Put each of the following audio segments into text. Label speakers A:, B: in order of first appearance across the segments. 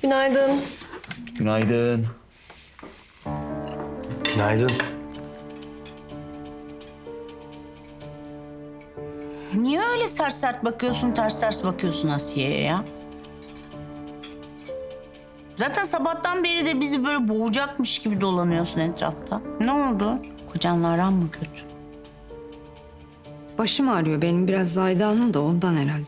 A: Günaydın.
B: Günaydın.
C: Günaydın.
D: Niye öyle sert sert bakıyorsun, ters bakıyorsun Asiye'ye ya? Zaten sabahtan beri de bizi böyle boğacakmış gibi dolanıyorsun etrafta. Ne oldu? Kocanla aran mı kötü?
E: Başım ağrıyor benim biraz Zahide Hanım da ondan herhalde.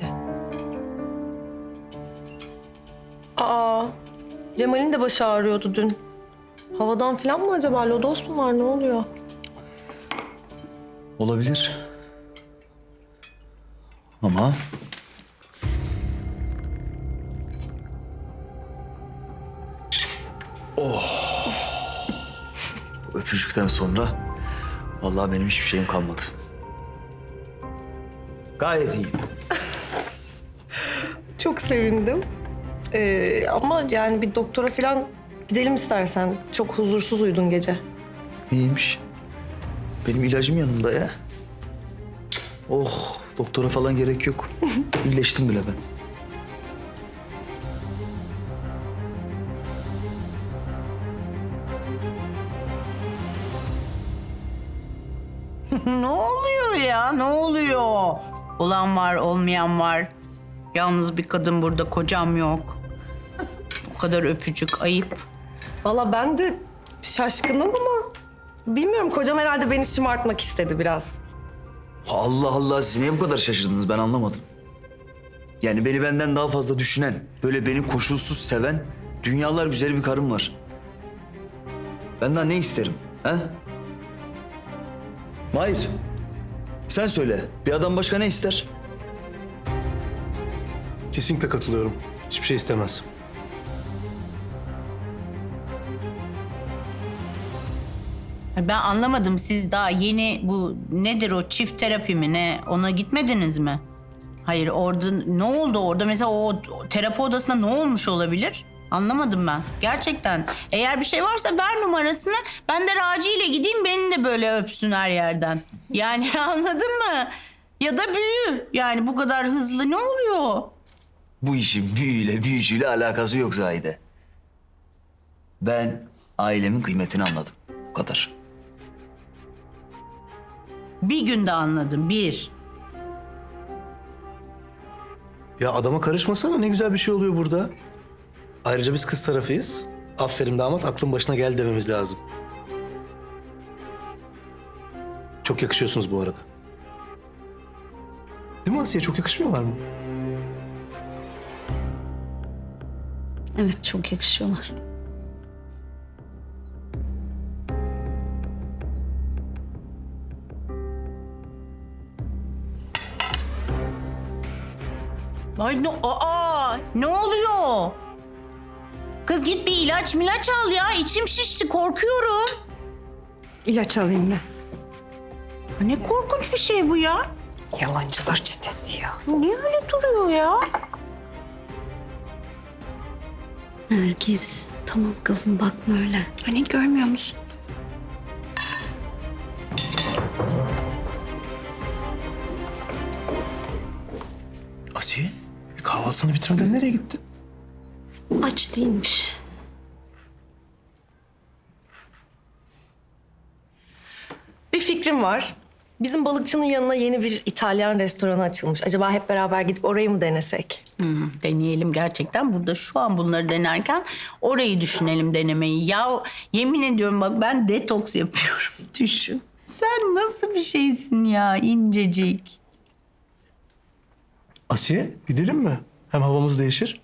A: Aa, Cemal'in de başı ağrıyordu dün. Havadan falan mı acaba? Lodos mu var? Ne oluyor?
B: Olabilir. Ama... Oh! Bu öpücükten sonra vallahi benim hiçbir şeyim kalmadı. Gayet iyiyim.
A: Çok sevindim. Ama yani bir doktora falan gidelim istersen. Çok huzursuz uyudun gece.
B: İyiymiş. Benim ilacım yanımda ya. Cık, oh, doktora falan gerek yok. İyileştim bile ben.
D: Ne oluyor ya? Ne oluyor? Olan var, olmayan var. Yalnız bir kadın burada, kocam yok. O kadar öpücük, ayıp.
A: Vallahi ben de şaşkınım ama bilmiyorum, kocam herhalde beni şımartmak istedi biraz.
B: Allah Allah, siz niye bu kadar şaşırdınız, ben anlamadım. Yani beni benden daha fazla düşünen, böyle beni koşulsuz seven, dünyalar güzeli bir karım var. Ben daha ne isterim, ha? Mahir, sen söyle, bir adam başka ne ister?
C: Kesinlikle katılıyorum. Hiçbir şey istemez.
D: Ben anlamadım, siz daha yeni bu nedir o çift terapi mi ne, ona gitmediniz mi? Hayır, orada ne oldu orada, mesela o terapi odasında ne olmuş olabilir? Anlamadım ben gerçekten. Eğer bir şey varsa ver numarasını, ben de Raci ile gideyim, beni de böyle öpsün her yerden. Yani anladın mı? Ya da büyü, yani bu kadar hızlı ne oluyor?
B: Bu işin büyüyle büyücüyle alakası yok Zahide. Ben ailemin kıymetini anladım, o kadar.
D: Bir günde anladım, bir.
C: Ya adama karışmasana, ne güzel bir şey oluyor burada. Ayrıca biz kız tarafıyız. Aferin damat, aklın başına gel dememiz lazım. Çok yakışıyorsunuz bu arada. Değil mi Asiye? Çok yakışmıyorlar mı?
E: Evet çok yakışıyorlar.
D: Ay ne oluyor? Kız git bir ilaç milaç al ya, içim şişti, korkuyorum.
E: İlaç alayım ben.
D: Ne korkunç bir şey bu ya.
E: Yalancılar çetesi ya.
D: Niye öyle duruyor ya?
E: Nergis tamam kızım bakma öyle. Hani görmüyor musun?
C: Asiye, kahvaltısını bitirmeden nereye gitti?
E: Aç değilmiş.
A: Bir fikrim var. Bizim balıkçının yanına yeni bir İtalyan restoranı açılmış. Acaba hep beraber gidip orayı mı denesek?
D: Deneyelim gerçekten. Burada şu an bunları denerken orayı düşünelim, denemeyi. Ya yemin ediyorum bak, ben detoks yapıyorum. Düşün. Sen nasıl bir şeysin ya, incecik.
C: Asiye, gidelim mi? Hem havamız değişir.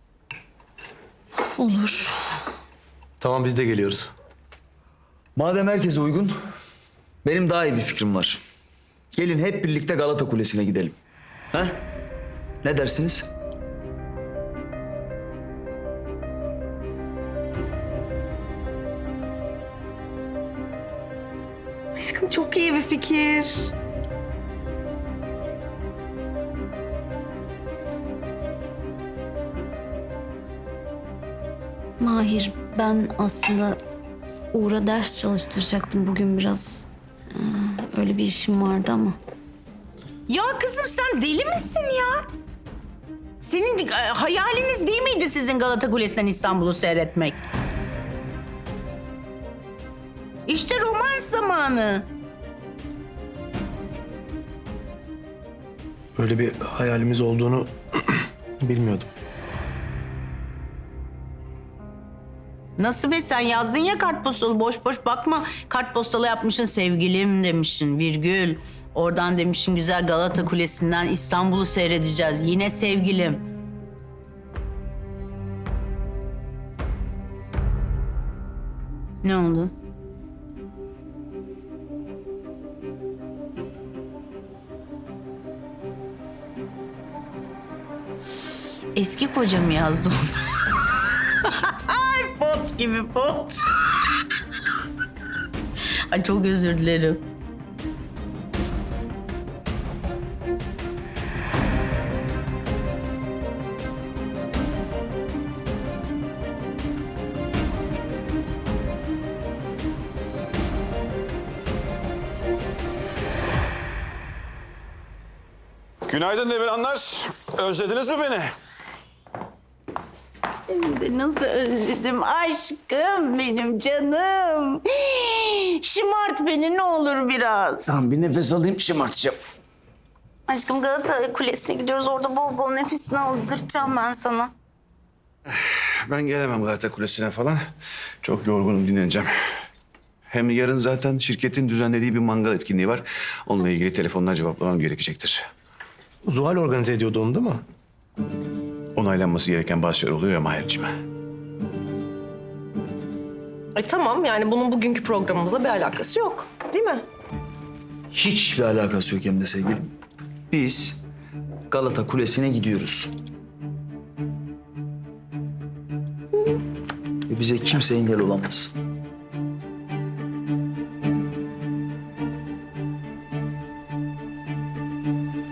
E: Olur.
C: Tamam, biz de geliyoruz.
B: Madem herkese uygun, benim daha iyi bir fikrim var. Gelin hep birlikte Galata Kulesi'ne gidelim. Ha? Ne dersiniz?
A: Aşkım çok iyi bir fikir.
E: Mahir ben aslında Uğur'a ders çalıştıracaktım bugün biraz. Öyle bir işim vardı ama.
D: Ya kızım sen deli misin ya? Senin hayaliniz değil miydi sizin Galata Kulesi'nden İstanbul'u seyretmek? İşte romans zamanı.
C: Öyle bir hayalimiz olduğunu bilmiyordum.
D: Nasıl be, sen yazdın ya kartpostalı, boş boş bakma. Kartpostalı yapmışsın, sevgilim demişsin, virgül. Oradan demişsin güzel Galata Kulesi'nden İstanbul'u seyredeceğiz. Yine sevgilim. Ne oldu? Eski kocam yazdı onu. Ay pot gibi pot. Ay çok özür dilerim.
F: Günaydın Demirhanlar. Özlediniz mi beni?
D: Nasıl özledim aşkım, benim canım. Şımart beni ne olur biraz.
B: Tamam bir nefes alayım şımartacağım.
D: Aşkım Galata Kulesi'ne gidiyoruz. Orada bol bol nefesini aldıracağım ben sana.
F: Ben gelemem Galata Kulesi'ne falan. Çok yorgunum, dinleneceğim. Hem yarın zaten şirketin düzenlediği bir mangal etkinliği var. Onunla ilgili telefonlar cevaplamam gerekecektir.
C: Zuhal organize ediyordu onu değil mi?
F: Onaylanması gereken bazı şeyler oluyor ya Mahir'cim.
A: Tamam yani bunun bugünkü programımızla bir alakası yok. Değil mi?
B: Hiçbir alakası yok hem de sevgilim. Biz Galata Kulesi'ne gidiyoruz. Ve bize kimse engel olamaz.